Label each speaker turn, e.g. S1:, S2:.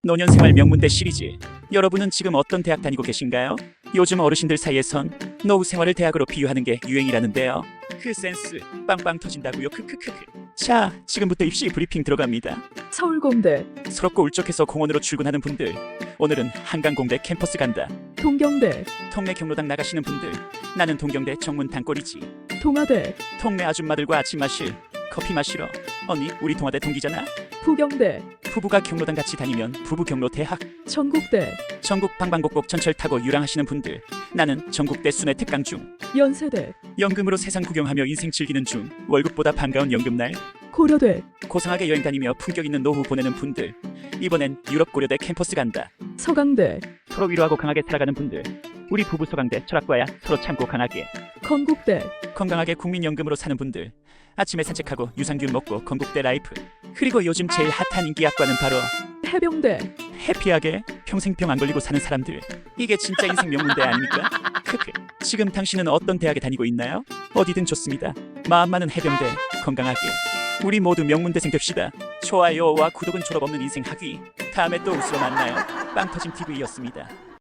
S1: 노년생활 명문대 시리즈. 여러분은 지금 어떤 대학 다니고 계신가요? 요즘 어르신들 사이에선 노후 생활을 대학으로 비유하는 게 유행이라는데요. 그 센스 빵빵 터진다고요. 크크크크. 자, 지금부터 입시 브리핑 들어갑니다.
S2: 서울공대,
S1: 서럽고 울적해서 공원으로 출근하는 분들, 오늘은 한강공대 캠퍼스 간다.
S2: 동경대,
S1: 동네 경로당 나가시는 분들, 나는 동경대 정문 단골이지.
S2: 동아대,
S1: 동네 아줌마들과 아침 마실 커피 마시러. 언니, 우리 동아대 동기잖아.
S2: 부경대,
S1: 부부가 경로당 같이 다니면 부부 경로 대학.
S2: 전국대,
S1: 전국 방방곡곡 전철 타고 유랑하시는 분들, 나는 전국대 순회 특강 중.
S2: 연세대,
S1: 연금으로 세상 구경하며 인생 즐기는 중. 월급보다 반가운 연금날.
S2: 고려대,
S1: 고상하게 여행 다니며 품격 있는 노후 보내는 분들, 이번엔 유럽 고려대 캠퍼스 간다.
S2: 서강대,
S1: 서로 위로하고 강하게 살아가는 분들, 우리 부부 서강대 철학과야. 서로 참고 강하게
S2: 건국대,
S1: 건강하게 국민연금으로 사는 분들, 아침에 산책하고 유산균 먹고 건국대 라이프. 그리고 요즘 제일 핫한 인기학과는 바로
S2: 해병대,
S1: 해피하게 평생 병 안 걸리고 사는 사람들. 이게 진짜 인생 명문대 아닙니까? 크크. 지금 당신은 어떤 대학에 다니고 있나요? 어디든 좋습니다. 마음만은 해병대. 건강하게 우리 모두 명문대생 됩시다. 좋아요와 구독은 졸업 없는 인생 학위. 다음에 또 웃으러 만나요. 빵터짐TV였습니다.